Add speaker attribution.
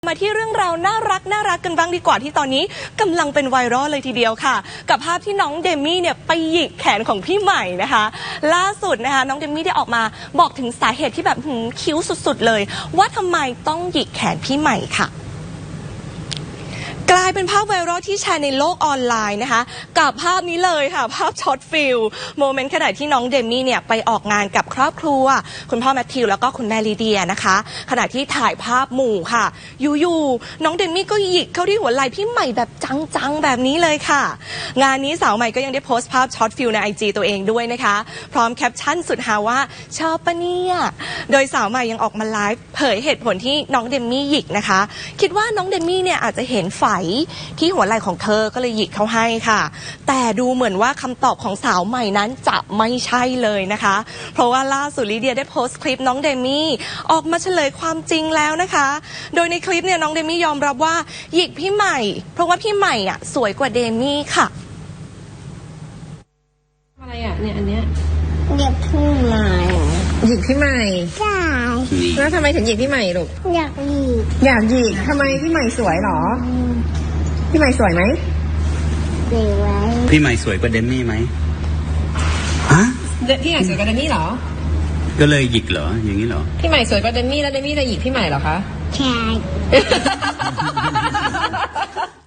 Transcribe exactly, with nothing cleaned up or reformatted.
Speaker 1: มาที่เรื่องราวน่ารักน่ารักกันบ้างดีกว่าที่ตอนนี้กำลังเป็นไวรัลเลยทีเดียวค่ะกับภาพที่น้องเดมี่เนี่ยไปหยิกแขนของพี่ใหม่นะคะล่าสุดนะคะน้องเดมี่ได้ออกมาบอกถึงสาเหตุที่แบบหืมคิ้วสุดๆเลยว่าทำไมต้องหยิกแขนพี่ใหม่ค่ะกลายเป็นภาพไวรัลที่แชร์ในโลกออนไลน์นะคะกับภาพนี้เลยค่ะภาพช็อตฟิลโมเมนต์ขณะที่น้องเดมี่เนี่ยไปออกงานกับครอบครัวคุณพ่อแมทธิวแล้วก็คุณแม่ลีเดียนะคะขณะที่ถ่ายภาพหมู่ค่ะอยู่ๆน้องเดมี่ก็หยิกเข้าที่หัวไหล่พี่ใหม่แบบจังๆแบบนี้เลยค่ะงานนี้สาวใหม่ก็ยังได้โพสต์ภาพช็อตฟิลในไอจีตัวเองด้วยนะคะพร้อมแคปชั่นสุดฮาว่าชอบปะเนี่ยโดยสาวใหม่ยังออกมาไลฟ์เผยเหตุผลที่น้องเดมี่หยิกนะคะคิดว่าน้องเดมี่เนี่ยอาจจะเห็นไฝที่หัวไหล่ของเธอก็เลยหยิกเขาให้ค่ะแต่ดูเหมือนว่าคำตอบของสาวใหม่นั้นจะไม่ใช่เลยนะคะเพราะว่าล่าสุดลิเดียได้โพสต์คลิปน้องเดมี่ออกมาเฉลยความจริงแล้วนะคะโดยในคลิปเนี่ยน้องเดมี่ยอมรับว่าหยิกพี่ใหม่เพราะว่าพี่ใหม่อ่ะสวยกว่าเดมี่ค่ะ
Speaker 2: อะไรอ่ะเนี่ยอันเนี้ย
Speaker 3: หยิกพี่ใหม่
Speaker 2: หยิกพี่ใหม่
Speaker 3: ใช่
Speaker 2: แล้วทำไมถึงหยิกพี่ใหม่ลูก
Speaker 3: อยากหยิก
Speaker 2: อยากหยิกทำไมพี่ใหม่สวยหรอพี่ใหม่สวยไหม
Speaker 3: สวย
Speaker 4: พี่ใหม่สวยกว่าเดมมี่ไหมฮะ
Speaker 2: พี่ใหม่สวยกว่าเดมี่เหรอ
Speaker 4: ก็เลยหยิกเหรออย่างนี้เหรอ
Speaker 2: พี่ใหม่สวยกว่าเดมี่แล้วเดมี่จะหยิกพี่ใหม่เหรอคะ
Speaker 3: ใช่